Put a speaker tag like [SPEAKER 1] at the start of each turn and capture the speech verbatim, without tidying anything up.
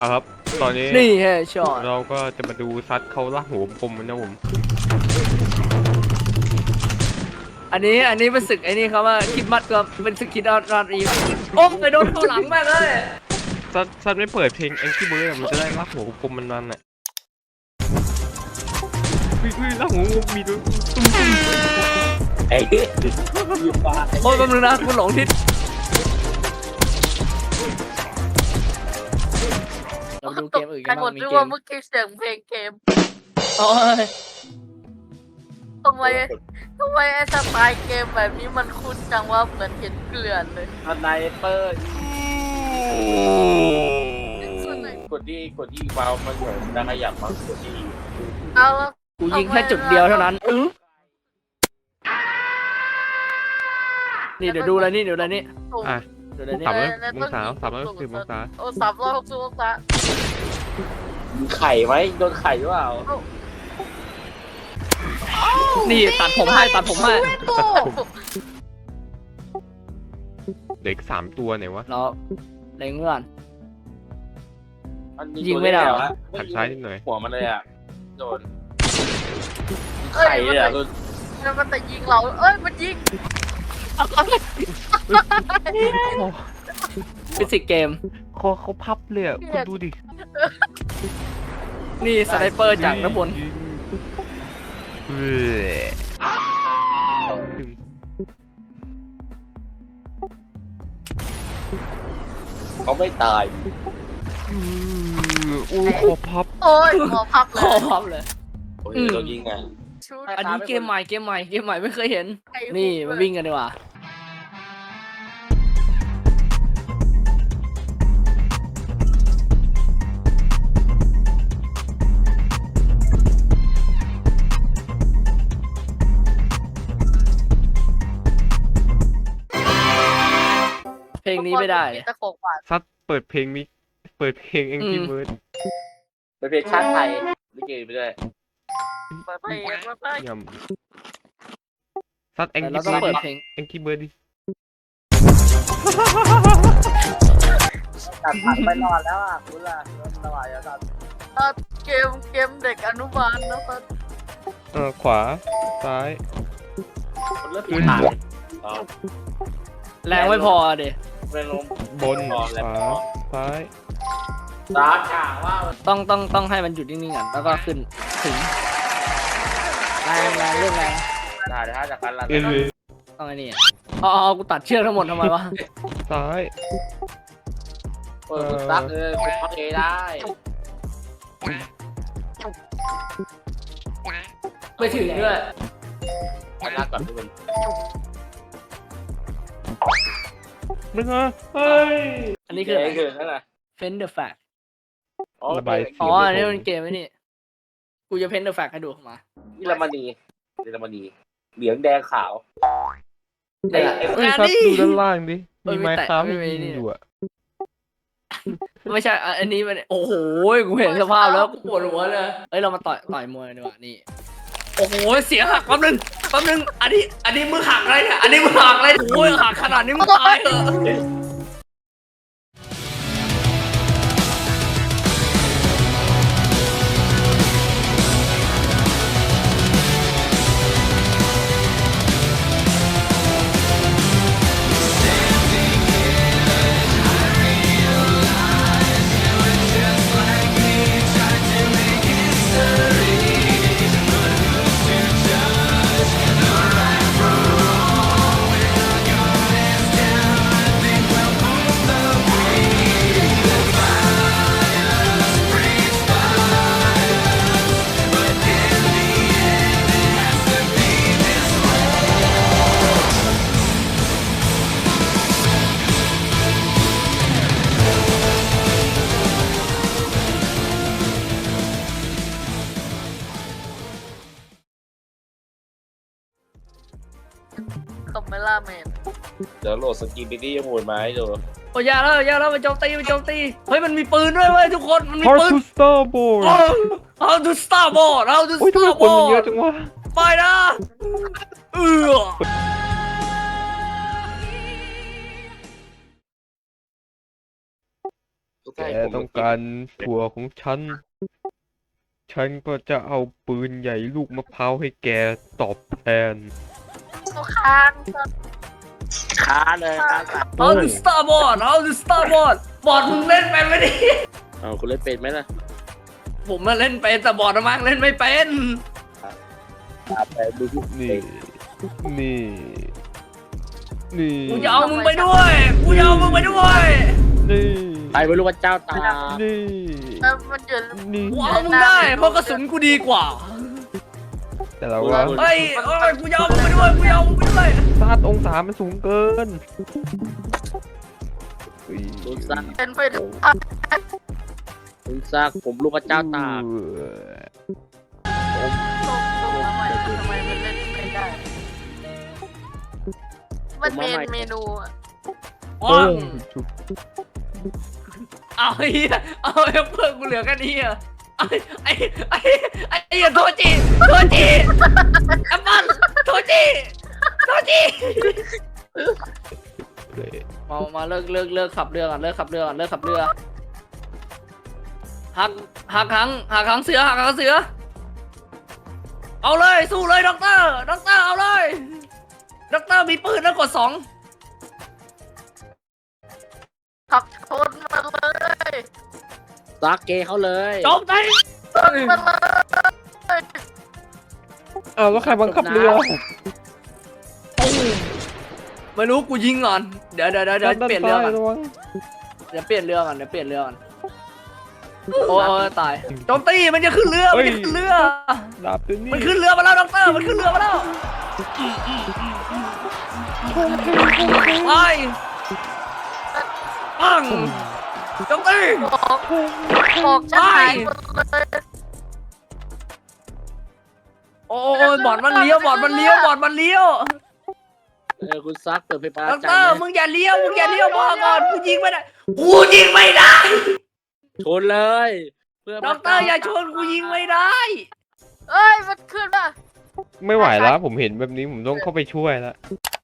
[SPEAKER 1] เอาครับตอนนี้
[SPEAKER 2] นี่แฮะช็อต
[SPEAKER 1] เราก็จะมาดูซัดเขาล่าหัวผมนะผม
[SPEAKER 2] อันนี้อันนี้เป็นศึกไอ้นี่เขาว่าคิดมัดก็เป็นศึกคิดออดรอดอีกโอ้ไปโดนเข้าหลังมากเลย
[SPEAKER 1] ซัดซัดไม่เปิดเพลง Angry Birds อะมันจะได้ล่าหัวผมมันมันอ่ะเฮ้ยเฮ้ยล่าหัวมีด้วยตุ้มตุ้ม
[SPEAKER 3] ไอ้ยืมปลา
[SPEAKER 2] โอ้ยแป๊บนึงนะกูหลงทิศเราดูเกมอื่นกัน
[SPEAKER 4] หม
[SPEAKER 2] บ้า
[SPEAKER 4] ด
[SPEAKER 2] งมี
[SPEAKER 4] ด้วย
[SPEAKER 2] เก
[SPEAKER 4] ว่าม เมื่อกี้เสียงเพลงเกม
[SPEAKER 2] โอ้ย
[SPEAKER 4] ทำไมทำไมไอ้สไตล์เกมแบบนี้มันคุ้นจังว่าเหมือนเห็นเกลื่อนเลย
[SPEAKER 3] สไนเปอร์กดที่กดที่เมาส์มันเหมือนจะขยับมากดที่
[SPEAKER 4] เอาแล้ว
[SPEAKER 2] กูยิงแค่จุดเดียวเท่านั้นอื้อนี่เดี๋ยวดูอะไรนี่เดี๋ยวอะไรนี่
[SPEAKER 1] อ่ะ
[SPEAKER 2] เดี๋ยวอะไรนี่
[SPEAKER 1] สามร้อยองศาสามร้อยสิบองศา
[SPEAKER 4] โอ้สามร้อยหกสิบองศา
[SPEAKER 3] ไข่ไหมโดนไข่หรือเปล่า
[SPEAKER 2] นี่ตัดผมให้ตัดผมให้
[SPEAKER 1] ตัดผมเด็กสามตัวไหนวะ
[SPEAKER 2] เราเล็งเงื่อน
[SPEAKER 3] มัน
[SPEAKER 2] ยิงไม่ได้เหรอ
[SPEAKER 1] หันซ้ายนิดหน่อย
[SPEAKER 3] หัวมันเลยอ่ะโดน
[SPEAKER 4] เอ้ย
[SPEAKER 3] ไข่เลยอ่ะโดน
[SPEAKER 4] แล้วมันแต่ยิงเราเอ้ยมันยิง
[SPEAKER 2] ฟิสิกส์เกม
[SPEAKER 1] คอเขาพับเลยอ่ะคุณดูดิ
[SPEAKER 2] นี่สไนเปอร์จากน้ำบน
[SPEAKER 1] เออ
[SPEAKER 3] เขาไม่ตาย
[SPEAKER 1] โอ้คอพับ
[SPEAKER 4] โอ้ยหมอพับเล
[SPEAKER 2] ขอย พับเลย
[SPEAKER 3] โอ้ย
[SPEAKER 2] อืม
[SPEAKER 3] โดนยิงอ่ะ
[SPEAKER 4] ชุด
[SPEAKER 2] อันนี้เกมใหม่เกมใหม่เกมใหม่ไม่เคยเห็น
[SPEAKER 4] ไอ้หู
[SPEAKER 2] นี่มาวิ่งกันดีกว่าเพลงนี้ไม่ได้เลย
[SPEAKER 4] ตะโขกหวาน
[SPEAKER 1] ซัดเปิดเพลงนี้เปิดเพลง Angry
[SPEAKER 2] อืม
[SPEAKER 1] Birds
[SPEAKER 3] เป็นเพลงชาติไทยลิเกไปด้วย
[SPEAKER 4] เปิดเพลงเปิดเพลง
[SPEAKER 1] ยำซัด
[SPEAKER 2] แต่
[SPEAKER 1] Angry
[SPEAKER 2] เราต้อง
[SPEAKER 1] Birds
[SPEAKER 2] เปิดเพลง
[SPEAKER 1] Angry Birds ดิ
[SPEAKER 3] ตัดผักไปนอนแล้วอ่ะคุณล่ะสบายแล้วตัด
[SPEAKER 4] เกมเกมเด็กอนุบาลนะครับ
[SPEAKER 1] เออขวาซ้าย
[SPEAKER 3] คนเริ่มปีนผ่านอ๋อ
[SPEAKER 2] แรงไม่พอเด
[SPEAKER 3] เรื่องลม
[SPEAKER 1] บน
[SPEAKER 3] นอน
[SPEAKER 1] ข
[SPEAKER 3] แล้ว
[SPEAKER 1] วาซ้าย
[SPEAKER 3] ตาข่าว่า
[SPEAKER 2] ต้องต้องต้องให้มันหยุดนิ่งๆก่อนแล้วก็ขึ้นถึงแรงแรงเรื่องแรง
[SPEAKER 3] ได้ถ้าจากการรัน
[SPEAKER 1] เออ
[SPEAKER 2] ต้องไอ้นี่อ๋ออ๋อกูตัดเชือกทั้งหมดทำไมวะ
[SPEAKER 1] ซ้าย
[SPEAKER 3] เปิดคุณตักเออคุณพักเอได้
[SPEAKER 2] ไปถึงด้วย
[SPEAKER 3] ไปรักก่อนทุกคน
[SPEAKER 1] มึงอ่ะเฮ้ย
[SPEAKER 2] อันนี้คืออะไร
[SPEAKER 3] คือนั่นแหละ
[SPEAKER 2] Pen the Fact
[SPEAKER 1] ระบายเสียง
[SPEAKER 2] อ๋ออันนี้มันเกมไอ้นี่กูจะ Pen the Fact ให้ดูมา
[SPEAKER 3] นี่ละมณีนี่ละมณีเหลืองแดงขาว
[SPEAKER 2] เอ้ย
[SPEAKER 1] เอ้ยซัดดูด้านล่างดิ
[SPEAKER 2] เอ้ย
[SPEAKER 1] มี
[SPEAKER 2] ไม่
[SPEAKER 1] ไม้
[SPEAKER 2] แตะ
[SPEAKER 1] ค้า
[SPEAKER 2] ไม่
[SPEAKER 1] ไม่
[SPEAKER 2] มี
[SPEAKER 1] มี
[SPEAKER 2] นี่
[SPEAKER 1] อยู่อ่ะ
[SPEAKER 2] ไม่ใช่อ่ะอันนี้มันโอ้โหกูเห็นสภาพแล้วกูปวดหัวเลยเอ้ยเรามาต่อยต่อยมวยดีกว่านี่โอ้โหเสียหักแป๊บนึงแป๊บนึงอันนี้อันนี้มือหักอะไรเนี่ยอันนี้มือหักอะไรโอ้ยหักขนาดนี้มึงตายเหรอ
[SPEAKER 4] คอมเมล่าแมน
[SPEAKER 3] เดี๋ยวโหลดสกินบิดี้มูนมาให้ดู
[SPEAKER 2] โอ้ยอยาแล้วอยาแล้วมันโจมตีมันโจมตีเฮ้ยมันมีปืนด้วยเว้ยทุกคนมันมี
[SPEAKER 1] How
[SPEAKER 2] ปืน
[SPEAKER 1] to starboard
[SPEAKER 2] โอ้ How to starboard How to
[SPEAKER 1] โอ้ยทำไมคนมันเยอะ
[SPEAKER 2] starboard
[SPEAKER 1] จังวะ
[SPEAKER 2] ไปนะเออ
[SPEAKER 3] ทุก็
[SPEAKER 1] แก
[SPEAKER 3] ให้ผม
[SPEAKER 1] ต้องการถั่วของฉัน ฉันก็จะเอาปืนใหญ่ลูกมะพร้าวให้แกตอบแทน
[SPEAKER 4] ตัวค้างก็
[SPEAKER 3] ค้าเลยค้าสัตว์
[SPEAKER 2] เอาดิสตาร์บอร์ดเอาดิสตาร์บอร์ดบอร์ดมึงเล่นเป็นไหมดิ
[SPEAKER 3] เอาคุณเล่นเป็นไหมล่ะ
[SPEAKER 2] ผมมาเล่นเป็นแต่บอร์ดอะมั้งเล่นไม่เป็น
[SPEAKER 3] ไปดูที่
[SPEAKER 1] นี่ นี่ นี่
[SPEAKER 2] กูจะเอามึงไปด้วยกูจะเอามึงไปด้วย
[SPEAKER 1] นี่
[SPEAKER 3] ไปไม่รู้ว่าเจ้าตา
[SPEAKER 1] นี่
[SPEAKER 4] แล้วมันอยู่
[SPEAKER 1] นี่
[SPEAKER 2] กูเอามึงได้เพราะกระสุนกูดีกว่า
[SPEAKER 1] แต่เราว่า
[SPEAKER 2] เฮ้ยเอ้ยกูจะเอามึงไปด้วยกูจะเอามึงไปด้วย
[SPEAKER 1] ซาดองศามันสูงเกินอุ๊ย
[SPEAKER 3] คุณซัก
[SPEAKER 4] เป็นไปได้
[SPEAKER 3] คุณซักผมรู้ว่าเจ้าตา
[SPEAKER 4] ทำไมทำไมมันเล่นไม่ได้ มันเมนเมนูอะ
[SPEAKER 2] อ๋อ
[SPEAKER 1] โป้งจุ๊บ
[SPEAKER 2] เอาไอ้เหี้ยเอาไอ้เพื่อนกูเหลือแค่นี้อ่ะไอ้ไอ้ไอ้ไอ้ไอ้โทจิโทจิแอปเปิ้ลโทจิโทจิ
[SPEAKER 1] เลย
[SPEAKER 2] มามาเลิกเลิกเลิกขับเรือก่อนเลิกขับเรือก่อนเลิกขับเรือหักหักหางหักหางเสือหักหางเสือเอาเลยสู้เลยด็อกเตอร์ด็อกเตอร์เอาเลยด็อกเตอร์มีปืนแล้วกดสอง
[SPEAKER 4] ขับชนมาเลย
[SPEAKER 3] ซักเกเขาเลย
[SPEAKER 2] โจมตี
[SPEAKER 4] ชนมาเลย
[SPEAKER 1] อ้าวแล้วใครบังคับเรือ
[SPEAKER 2] ไม่รู้กูยิงก่อนเดี๋ยวเดี๋ยวเดี๋ยวเดี๋ยว
[SPEAKER 1] ด้าน
[SPEAKER 2] เปลี่ยนเรือก่อน
[SPEAKER 1] ซ้ายระวัง
[SPEAKER 2] เดี๋ยวเปลี่ยนเรือก่อนเดี๋ยวเปลี่ยนเรือก่อนโอ้ยตายโจมตีมันจะขึ้นเรือมันจะขึ้นเรือ
[SPEAKER 1] ดาบตัวนี้
[SPEAKER 2] มันขึ้นเรือมาแล้วด็อกเตอร์มันขึ้นเรือมาแล้วไปปังโจมตี
[SPEAKER 4] บอกบอกฉันหายหมดเลย
[SPEAKER 2] โอ้ยบอดมันเลี้ยวบอดมันเลี้ยวบอดมันเลี้ยว
[SPEAKER 3] เออคุณซักเปิดไฟฟ้า
[SPEAKER 2] ด็อก
[SPEAKER 3] ใจ
[SPEAKER 2] เตอร์
[SPEAKER 3] ไหม
[SPEAKER 2] มึงอย่าเลี้ยวมึงอย่าเลี้ยวพอก่อนกูยิงไม่ได้กูยิงไม่ได้
[SPEAKER 3] ชนเลยเพื่อ
[SPEAKER 2] ด็อกเตอร์อย่าชนกูยิงไม่ได้
[SPEAKER 4] เอ้ย มันขึ้นมา
[SPEAKER 1] ไม่ไหวแล้วผมเห็นแบบนี้ผมต้องเข้าไปช่วยแล้ว